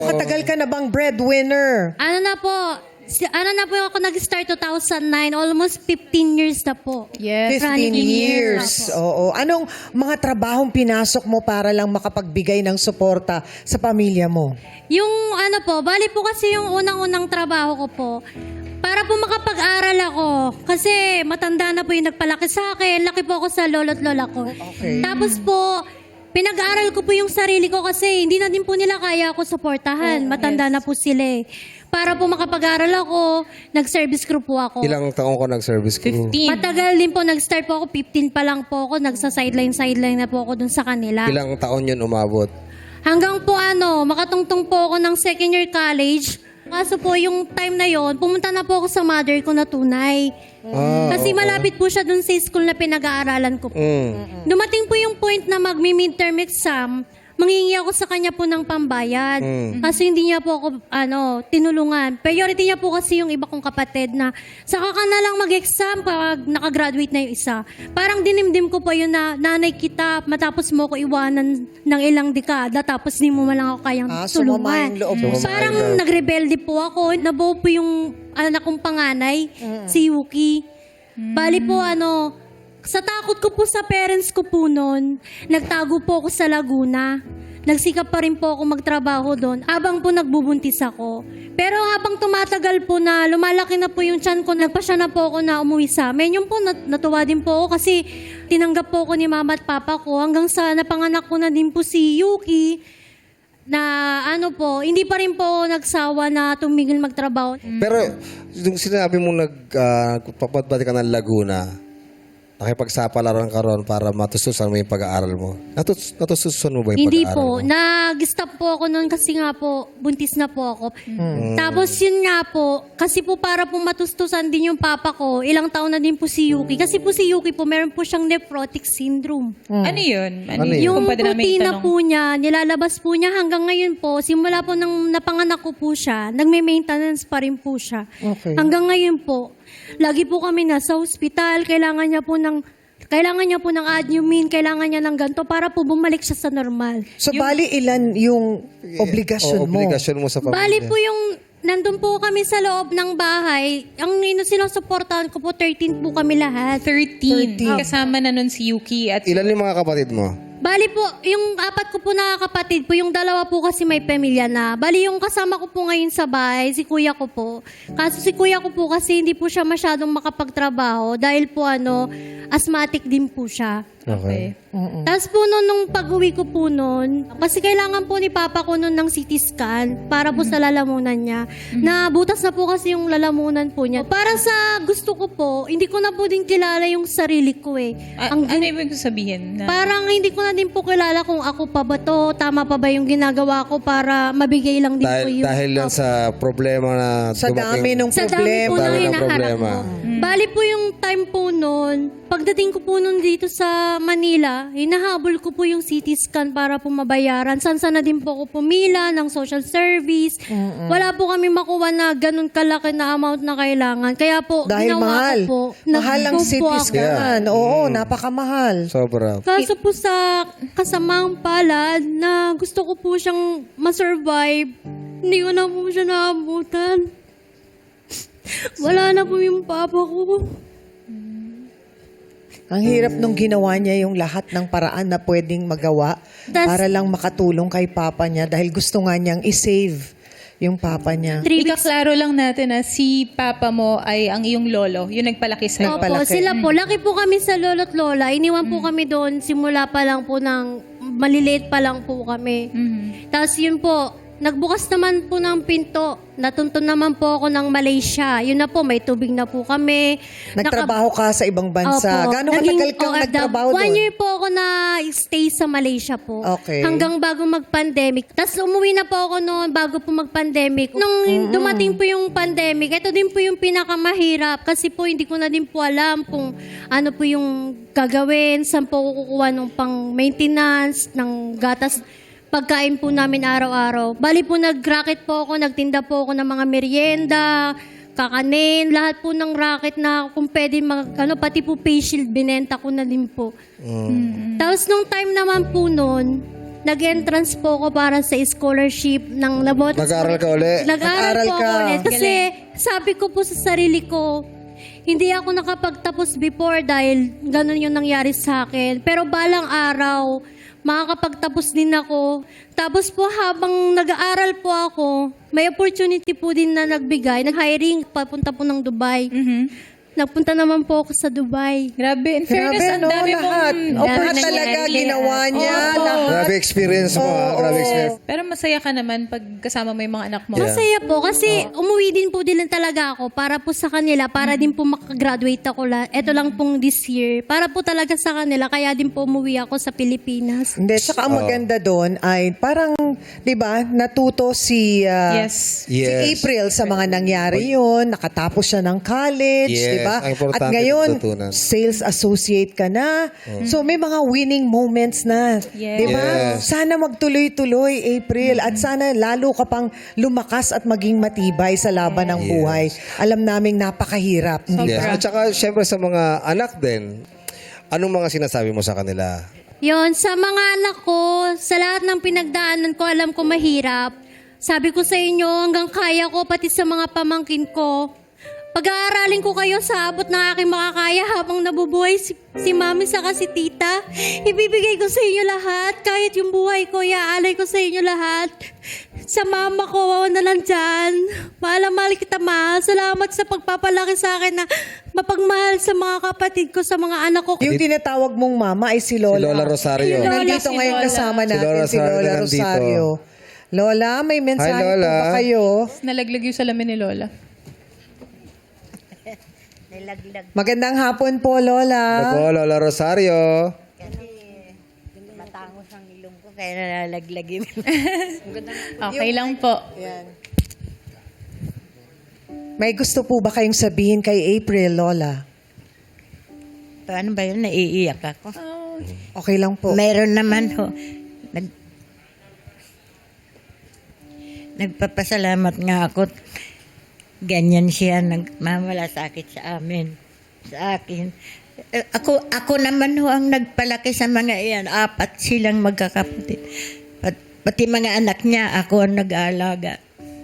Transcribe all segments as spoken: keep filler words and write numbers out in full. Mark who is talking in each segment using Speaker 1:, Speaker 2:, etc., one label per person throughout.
Speaker 1: Katagal ka na bang breadwinner?
Speaker 2: Ano na po, si, ano na po ako nag-start two thousand nine, almost fifteen years na po.
Speaker 3: Yes.
Speaker 1: fifteen
Speaker 2: running
Speaker 1: years.
Speaker 2: na po.
Speaker 1: Oo. Anong mga trabahong pinasok mo para lang makapagbigay ng suporta sa pamilya mo?
Speaker 2: Yung ano po, bali po kasi yung unang-unang trabaho ko po, para po makapag-aral ako. Kasi matanda na po yung nagpalaki sa akin. Laki po ako sa lolo't lola ko.
Speaker 1: Okay.
Speaker 2: Tapos po, pinag-aaral ko po yung sarili ko kasi hindi na din po nila kaya ako suportahan. Matanda na po sila eh. Para po makapag-aral ako, nag-service crew po ako.
Speaker 4: Ilang taong ko nag-service crew?
Speaker 3: fifteen.
Speaker 2: Matagal din po, nag-start po ako, fifteen pa lang po ako, nagsa-sideline-sideline na po ako dun sa kanila.
Speaker 4: Ilang taon yun umabot?
Speaker 2: Hanggang po ano, makatungtong po ako ng second year college. Kaso po yung time na yon, pumunta na po ako sa mother ko na tunay.
Speaker 4: Ah,
Speaker 2: Kasi malapit po siya dun sa school na pinag-aaralan ko po.
Speaker 4: Mm.
Speaker 2: Dumating po yung point na magmi-midterm exam, manghingi ako sa kanya po ng pambayad.
Speaker 4: Mm.
Speaker 2: Kasi hindi niya po ako ano, tinulungan. Priority niya po kasi yung iba kong kapatid na saka ka na lang mag-exam pag nakagraduate na yung isa. Parang dinimdim ko po yun na nanay kita, matapos mo ko iwanan ng ilang dekada, tapos di mo man lang ako kayang
Speaker 1: Ah, sumama
Speaker 2: tulungan.
Speaker 1: yung loob mo.
Speaker 4: Sumama
Speaker 2: Parang
Speaker 4: yung loob.
Speaker 2: nagrebelde po ako. Nabuo po yung anak kong panganay, si Yuki. Bali po ano, sa takot ko po sa parents ko po noon, nagtago po ako sa Laguna. Nagsikap pa rin po ako magtrabaho doon habang po nagbubuntis ako. Pero habang tumatagal po na lumalaki na po yung tiyan ko, nagpasya na po ako na umuwi sa amin. Yung po nat- natuwa din po ako kasi tinanggap po ako ni mama at papa ko hanggang sa napanganak ko na din po si Yuki na ano po, hindi pa rin po ako nagsawa na tumigil magtrabaho.
Speaker 4: Pero, yung sinabi mo nag, uh, papadbati ka ng Laguna, nakipagsapalaran ka ron para matustusan mo yung pag-aaral mo. Natus natustusan mo ba yung
Speaker 2: Hindi
Speaker 4: pag-aaral
Speaker 2: po.
Speaker 4: mo?
Speaker 2: Nag-stop po ako noon kasi nga po, buntis na po ako. Tapos yun nga po, kasi po para po matustusan din yung papa ko, ilang taon na din po si Yuki. Kasi po si Yuki po, meron po siyang nephrotic syndrome.
Speaker 3: Ano yun? Ano,
Speaker 4: Ano
Speaker 3: yun?
Speaker 4: yun?
Speaker 2: Yung
Speaker 3: Kung pwede namin
Speaker 2: protina
Speaker 3: itanong.
Speaker 2: po niya, nilalabas po niya hanggang ngayon po, simula po nang napanganak ko po siya, nagme-maintenance pa rin po siya.
Speaker 1: Okay.
Speaker 2: Hanggang ngayon po, lagi po kami nasa hospital, kailangan niya po ng kailangan niya po ng admin, kailangan niya ng ganito para po bumalik siya sa normal.
Speaker 1: So, bali ilan yung obligasyon
Speaker 4: O,
Speaker 1: mo?
Speaker 4: obligasyon mo sa pamilya.
Speaker 2: Bali po yung, nandun po kami sa loob ng bahay, ang ino sinusuportahan ko po, thirteen po kami lahat.
Speaker 3: thirteen.
Speaker 1: thirteen.
Speaker 3: Kasama na nun si Yuki at
Speaker 4: Ilan yung mga kapatid mo?
Speaker 2: Bali po, yung apat ko po na kapatid po, yung dalawa po kasi may pamilya na. Bali yung kasama ko po ngayon sa bahay, si kuya ko po. Kaso si kuya ko po kasi hindi po siya masyadong makapagtrabaho dahil po ano, asthmatic din po siya.
Speaker 3: Okay.
Speaker 2: Tapos po noon, nung pag-uwi ko po noon, kasi kailangan po ni Papa ko noon ng C T scan para po sa lalamunan niya. Na butas na po kasi yung lalamunan po niya. Para sa gusto ko po, hindi ko na po din kilala yung sarili ko eh.
Speaker 3: A-
Speaker 2: Ang
Speaker 3: ano ibig sabihin? Na,
Speaker 2: Parang hindi ko na din po kilala kung ako pa ba to, tama pa ba yung ginagawa ko para mabigay lang din po
Speaker 4: Dahil,
Speaker 2: yung...
Speaker 4: dahil yan sa problema na
Speaker 1: Sa dami ng
Speaker 2: Sa dami
Speaker 1: problema.
Speaker 2: po na
Speaker 4: Dami ng
Speaker 2: hinaharap
Speaker 4: problema.
Speaker 2: ko. Bali po yung time po noon, pagdating ko po noon dito sa Manila, hinahabol ko po yung C T scan para po mabayaran. Sansa na din po ako pumila ng social service. Wala po kami makuha na ganun kalaki na amount na kailangan. Kaya po,
Speaker 1: Dahil
Speaker 2: ginawa
Speaker 1: mahal.
Speaker 2: ko po.
Speaker 1: Mahal ang
Speaker 2: nag-go
Speaker 1: C
Speaker 2: po
Speaker 1: T
Speaker 2: ako.
Speaker 1: scan. Oo, napakamahal.
Speaker 4: Sobra.
Speaker 2: Kaso po sa kasamaang palad na gusto ko po siyang ma-survive, hindi ko na po siya naabutan. Wala na po yung papa ko.
Speaker 1: Ang hirap nung ginawa niya yung lahat ng paraan na pwedeng magawa
Speaker 2: Tas-
Speaker 1: para lang makatulong kay papa niya dahil gusto nga niyang i-save yung papa niya.
Speaker 2: Three weeks.
Speaker 3: ikaklaro lang natin na si papa mo ay ang iyong lolo, yung nagpalaki sa'yo.
Speaker 2: Opo,
Speaker 1: Nagpalaki.
Speaker 2: sila po. Laki po kami sa lolo't lola. Iniwan po kami doon simula pa lang po ng maliliit pa lang po kami.
Speaker 3: Mhm.
Speaker 2: Tapos yun po, nagbukas naman po ng pinto. Natuntun naman po ako ng Malaysia. Yun na po, may tubig na po kami.
Speaker 1: Nagtrabaho ka sa ibang bansa.
Speaker 2: Opo.
Speaker 1: Gano'ng
Speaker 2: Naging
Speaker 1: katagal kang
Speaker 2: O F W.
Speaker 1: nagtrabaho
Speaker 2: One
Speaker 1: doon?
Speaker 2: year po ako na stay sa Malaysia po.
Speaker 1: Okay.
Speaker 2: Hanggang bago mag-pandemic. Tapos umuwi na po ako noon bago po mag-pandemic. Nung dumating po yung pandemic, ito din po yung pinakamahirap. Kasi po hindi ko na din po alam kung ano po yung gagawin, saan po ako kukuha ng pang-maintenance, ng gatas, pagkain po namin araw-araw. Bali po nag-racket po ako, nagtinda po ako ng mga merienda, kakanin, lahat po ng racket na kung pwede, mag, ano, pati po face shield, binenta ko na din po. Tapos nung time naman po noon, nag-entrance po ako para sa scholarship ng Labot.
Speaker 4: Nag-aaral ka uli?
Speaker 2: Nag-aaral
Speaker 1: Nag-aaral
Speaker 2: po
Speaker 1: ka.
Speaker 2: ako ulit. Kasi sabi ko po sa sarili ko, hindi ako nakapagtapos before dahil ganun yung nangyari sa akin. Pero balang araw, makakapagtapos din ako. Tapos po habang nag-aaral po ako, may opportunity po din na nagbigay, nag-hiring, papunta po ng Dubai. Nagpunta naman po ako sa Dubai.
Speaker 3: Grabe, in fairness,
Speaker 1: Grabe,
Speaker 3: ang
Speaker 1: no?
Speaker 3: dami
Speaker 1: Lahat.
Speaker 3: mong
Speaker 1: Lahat
Speaker 3: opportunity.
Speaker 1: talaga ginawa niya. Lahat.
Speaker 4: Grabe experience mo, ha? Grabe experience.
Speaker 3: Pero masaya ka naman pag kasama mo yung mga anak mo.
Speaker 4: Yeah.
Speaker 2: Masaya po kasi umuwi din po din talaga ako para po sa kanila, para din po makagraduate ako. La. Ito lang pong this year. Para po talaga sa kanila, kaya din po umuwi ako sa Pilipinas.
Speaker 1: Hindi, tsaka ang maganda doon ay parang, di ba, natuto si, ah,
Speaker 3: Yes.
Speaker 1: si
Speaker 4: Yes.
Speaker 1: April sa mga nangyari yun. Nakatapos siya ng college,
Speaker 4: Yes,
Speaker 1: di ba?
Speaker 4: ang importante
Speaker 1: At ngayon,
Speaker 4: natutunan.
Speaker 1: sales associate ka na. So may mga winning moments na.
Speaker 3: Yes.
Speaker 1: Di ba?
Speaker 4: Yes.
Speaker 1: Sana magtuloy-tuloy, April. At sana lalo ka pang lumakas at maging matibay sa laban ng
Speaker 4: Yes.
Speaker 1: buhay. Alam naming napakahirap. Hindi
Speaker 4: Yes.
Speaker 1: ba?
Speaker 4: At saka, syempre sa mga anak din, anong mga sinasabi mo sa kanila?
Speaker 2: Yon, sa mga anak ko, sa lahat ng pinagdaanan ko, alam ko mahirap. Sabi ko sa inyo, hanggang kaya ko, pati sa mga pamangkin ko. Pag-aaralin ko kayo sa abot ng aking makakaya habang nabubuhay si, si mami saka si tita. Ibibigay ko sa inyo lahat. Kahit yung buhay ko, iaalay ko sa inyo lahat. Sa mama ko na nandyan. Mahal na mahal kita, ma. Salamat sa pagpapalaki sa akin na mapagmahal sa mga kapatid ko, sa mga anak ko.
Speaker 1: Yung tinatawag mong mama ay si
Speaker 4: Si
Speaker 1: Lola.
Speaker 4: Lola Rosario.
Speaker 2: Si Lola.
Speaker 1: Nandito
Speaker 3: si
Speaker 1: ngayon
Speaker 3: Lola.
Speaker 1: kasama
Speaker 4: Si
Speaker 1: natin
Speaker 4: Lola
Speaker 1: si Lola
Speaker 4: Rosario
Speaker 1: Rosario. Lola, may mensahe
Speaker 4: Hi, Lola.
Speaker 1: po ba kayo?
Speaker 3: Nalaglag yung salamin ni Lola.
Speaker 1: Magandang hapon po, Lola.
Speaker 4: Ako, Lola Rosario.
Speaker 5: Matangos ang ilong ko kaya nalalaglag yun.
Speaker 3: Okay lang po.
Speaker 1: Yan. May gusto po ba kayong sabihin kay April, Lola?
Speaker 5: Paano ba yun? Naiiyak ako.
Speaker 1: Okay lang po.
Speaker 5: Meron naman ho. Nag, nagpapasalamat nga ako. Ganyan siya nagmamalasakit sa amin. Sa akin. Eh, Ako, ako naman ho ang nagpalaki sa mga iyan. Apat silang magkakapatid. Pat, pati mga anak niya, ako ang nag-aalaga.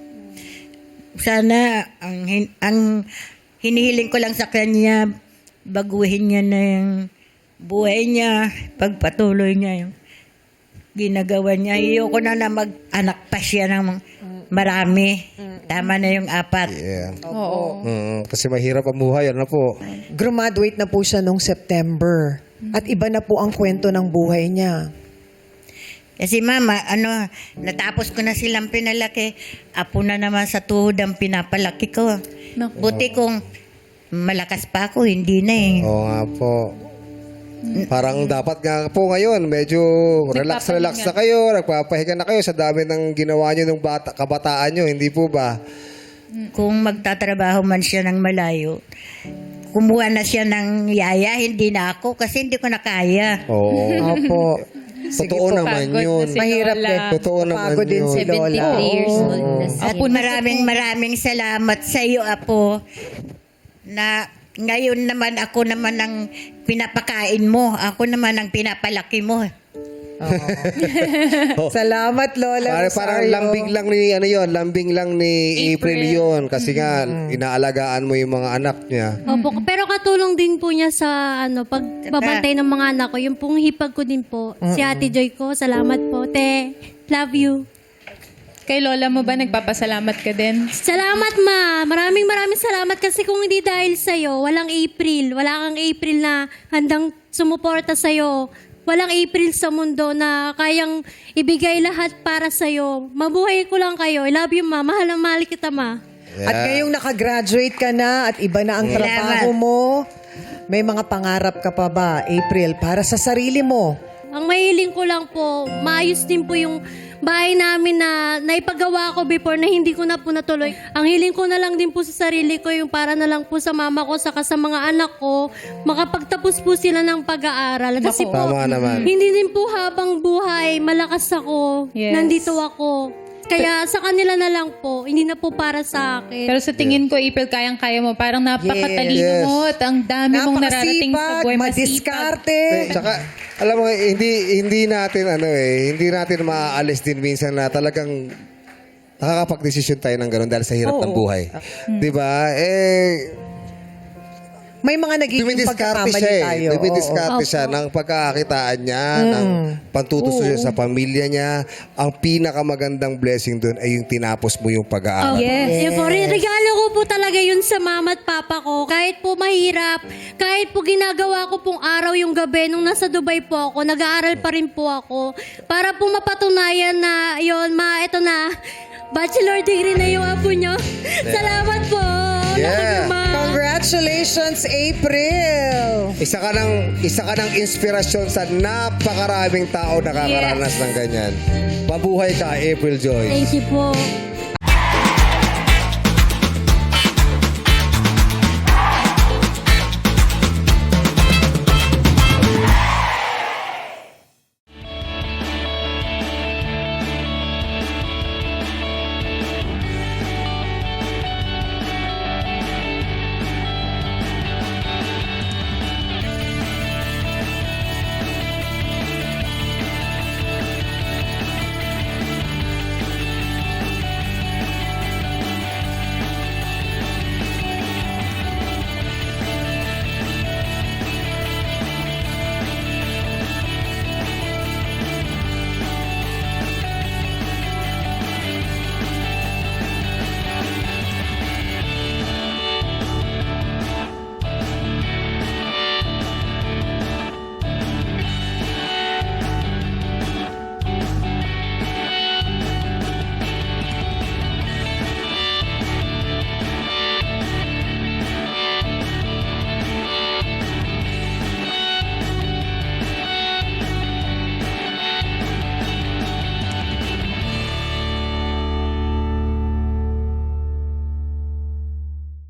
Speaker 5: Sana ang, hin- ang hinihiling ko lang sa kanya, baguhin niya na yung buhay niya, pagpatuloy niya yung ginagawa niya. Ayoko na na mag-anak pa siya ng marami. Tama na yung apat.
Speaker 4: Yeah.
Speaker 3: Oo.
Speaker 4: Mm, kasi mahirap ang buhay, ano po?
Speaker 1: Graduate na po siya nung September. At iba na po ang kwento ng buhay niya.
Speaker 5: Kasi mama, ano, natapos ko na silang pinalaki. Apo na naman sa tuhod ang pinapalaki ko.
Speaker 3: No.
Speaker 5: Buti kung malakas pa ako, hindi na eh.
Speaker 4: Oo nga po. Parang dapat nga po ngayon, medyo relax-relax na kayo, nagpapahinga na kayo sa dami ng ginawa nyo ng bata, kabataan nyo, hindi po ba?
Speaker 5: Kung magtatrabaho man siya ng malayo, kumuha na siya ng yaya, hindi na ako kasi hindi ko na kaya.
Speaker 4: Oo.
Speaker 1: Opo.
Speaker 4: Totoo naman
Speaker 3: Pagod na
Speaker 4: yun.
Speaker 3: si
Speaker 1: Mahirap
Speaker 3: Lola.
Speaker 1: din.
Speaker 4: Totoo naman
Speaker 1: Pagod din
Speaker 4: yun.
Speaker 1: si Lola.
Speaker 2: seventy-three years old na siya.
Speaker 5: At maraming maraming salamat sa iyo, Apo, na ngayon naman ako naman ang pinapakain mo. Ako naman ang pinapalaki mo.
Speaker 1: Salamat, Lola
Speaker 4: Parang, parang
Speaker 1: Rosario.
Speaker 4: lambing lang ni, ano yon, lambing lang ni April, yon kasi nga, inaalagaan mo yung mga anak niya.
Speaker 2: Opo, pero katulong din po niya sa ano pagbabantay ng mga anak ko. Yung pong hipag ko din po. Si Ate Joy ko, salamat po. Te, love you.
Speaker 3: Kay Lola mo ba nagpapasalamat ka din?
Speaker 2: Salamat, ma. Maraming maraming salamat kasi kung hindi dahil sa'yo, walang April. Wala kang April na handang sumuporta sa'yo. Walang April sa mundo na kayang ibigay lahat para sa'yo. Mabuhay ko lang kayo. I love you, ma. Mahal na mahal kita, ma.
Speaker 1: At ngayong nakagraduate ka na at iba na ang trabaho mo, may mga pangarap ka pa ba, April, para sa sarili mo?
Speaker 2: Ang mahiling ko lang po, maayos din po yung bahay namin na naipagawa ko before na hindi ko na po natuloy. Ang hiling ko na lang din po sa sarili ko, yung para na lang po sa mama ko saka sa mga anak ko, makapagtapos po sila ng pag-aaral. Kasi po,
Speaker 4: Tama naman.
Speaker 2: hindi din po habang buhay, malakas ako,
Speaker 3: Yes.
Speaker 2: nandito ako. Kaya sa kanila na lang po, hindi na po para sa akin.
Speaker 3: Pero sa tingin ko, April, kayang-kaya mo. Parang napakatalino
Speaker 4: Yes.
Speaker 3: mo at ang dami mong nararating sa
Speaker 1: Napakasipag,
Speaker 3: buhay.
Speaker 1: madiskarte.
Speaker 4: Tsaka, alam mo, hindi hindi natin ano eh, hindi natin maaalis din minsan na talagang nakakapag-desisyon tayo ng gano'n dahil sa hirap ng buhay. 'Di ba? Eh
Speaker 1: May mga nagiging
Speaker 4: dumidiskarte
Speaker 1: pagkakamali
Speaker 4: siya
Speaker 1: tayo.
Speaker 4: eh. Dumidiskarte
Speaker 2: Oo.
Speaker 4: siya ng pagkakakitaan niya, ng pantutuso niya sa pamilya niya. Ang pinakamagandang blessing doon ay yung tinapos mo yung pag-aaral.
Speaker 2: Yes. po, re- regalo ko po talaga yun sa mama at papa ko. Kahit po mahirap, kahit po ginagawa ko pong araw yung gabi nung nasa Dubai po ako, nag-aaral pa rin po ako. Para po mapatunayan na yun, ma, ito na, bachelor degree na yung apo nyo. Salamat po.
Speaker 4: Yeah.
Speaker 2: Love you, ma.
Speaker 1: Congratulations, April!
Speaker 4: Isa ka ng isa ka ng inspirasyon sa napakaraming tao nakakaranas ng ganyan. Mabuhay ka, April Joy.
Speaker 2: Thank you po.